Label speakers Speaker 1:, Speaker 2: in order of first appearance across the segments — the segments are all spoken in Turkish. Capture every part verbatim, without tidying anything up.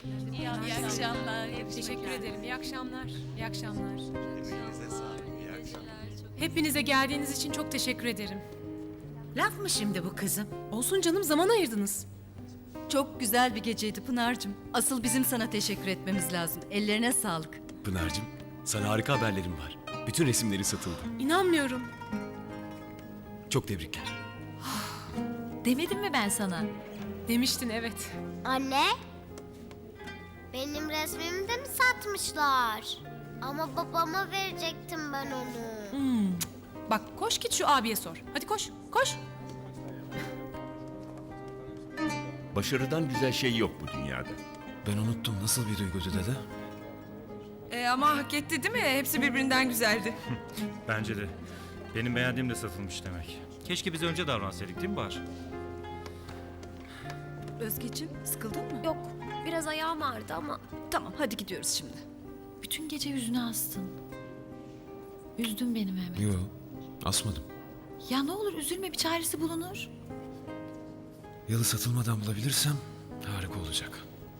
Speaker 1: İyi, iyi akşamlar.
Speaker 2: Teşekkür ederim. İyi akşamlar. İyi akşamlar.
Speaker 3: Emeğinize sağlık. İyi akşamlar.
Speaker 2: Hepinize geldiğiniz için çok teşekkür ederim.
Speaker 4: Laf mı şimdi bu kızım?
Speaker 2: Olsun canım, zaman ayırdınız.
Speaker 1: Çok güzel bir geceydi Pınar'cığım. Asıl bizim sana teşekkür etmemiz lazım. Ellerine sağlık.
Speaker 5: Pınar'cığım, sana harika haberlerim var. Bütün resimleri satıldı.
Speaker 2: İnanmıyorum.
Speaker 5: Çok tebrikler.
Speaker 1: Demedim mi ben sana?
Speaker 2: Demiştin, evet.
Speaker 6: Anne, benim resmimi de mi satmışlar? Ama babama verecektim ben onu.
Speaker 2: Hmm. Bak, koş git şu abiye sor. Hadi koş, koş.
Speaker 3: Başarıdan güzel şey yok bu dünyada.
Speaker 5: Ben unuttum. Nasıl bir duygudu dede?
Speaker 7: E, ama hak etti değil mi? Hepsi birbirinden güzeldi.
Speaker 8: Bence de. Benim beğendiğim de satılmış demek. Keşke biz önce davransaydık değil mi Bahar?
Speaker 1: Özgeciğim, sıkıldın mı?
Speaker 9: Yok, biraz ayağım ağrıdı ama
Speaker 1: Tamam, hadi gidiyoruz şimdi. Bütün gece yüzüne astın. Üzdün beni Mehmet.
Speaker 5: Yo, asmadım.
Speaker 1: Ya ne olur üzülme, bir çaresi bulunur.
Speaker 5: Yalı satılmadan bulabilirsem harika olacak.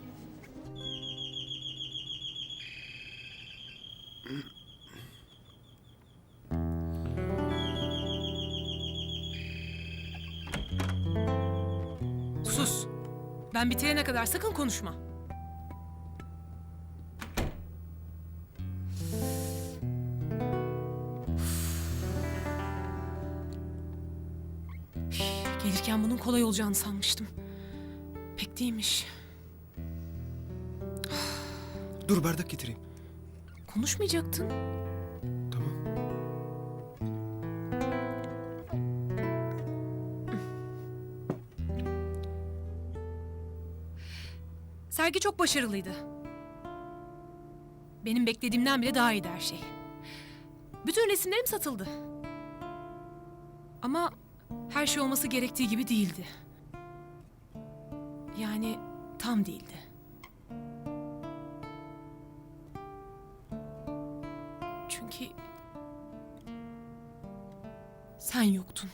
Speaker 2: Sus. Ben bitirene kadar sakın konuşma. Gelirken bunun kolay olacağını sanmıştım. Pek değilmiş.
Speaker 5: Dur bardak getireyim.
Speaker 2: Konuşmayacaktın.
Speaker 5: Tamam.
Speaker 2: Sergi çok başarılıydı. Benim beklediğimden bile daha iyiydi her şey. Bütün resimlerim satıldı. Ama her şey olması gerektiği gibi değildi. Yani tam değildi. Çünkü sen yoktun.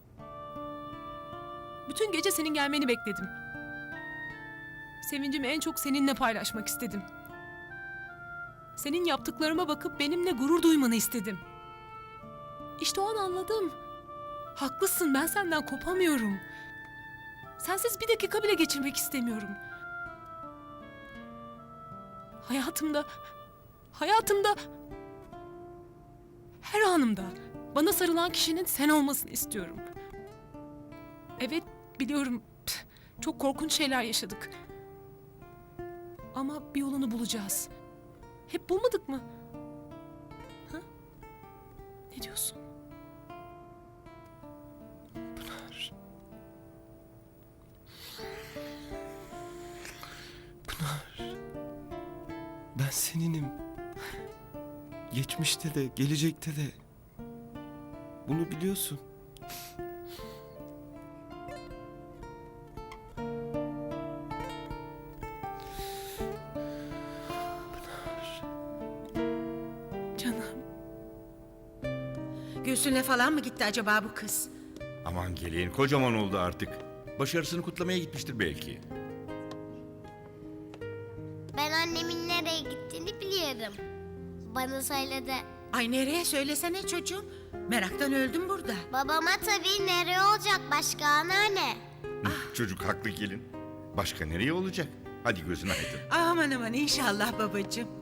Speaker 2: Bütün gece senin gelmeni bekledim. Sevincimi en çok seninle paylaşmak istedim. Senin yaptıklarıma bakıp benimle gurur duymanı istedim. İşte o an anladım. Haklısın, ben senden kopamıyorum. Sensiz bir dakika bile geçirmek istemiyorum. Hayatımda, hayatımda, her anımda bana sarılan kişinin sen olmasını istiyorum. Evet, biliyorum, çok korkunç şeyler yaşadık. Ama bir yolunu bulacağız. Hep bulmadık mı? Ha? Ne diyorsun?
Speaker 5: Pınar. Pınar. Ben seninim. Geçmişte de, gelecekte de. Bunu biliyorsun.
Speaker 2: Canım.
Speaker 4: Gülsün'le falan mı gitti acaba bu kız?
Speaker 3: Aman gelin kocaman oldu artık. Başarısını kutlamaya gitmiştir belki.
Speaker 6: Ben annemin nereye gittiğini biliyorum. Bana söyledi.
Speaker 4: Ay nereye söylesene çocuğum. Meraktan öldüm burada.
Speaker 6: Babama tabii nereye olacak başka anneanne?
Speaker 3: Çocuk haklı gelin. Başka nereye olacak? Hadi gözün aydın.
Speaker 4: Aman aman inşallah babacığım.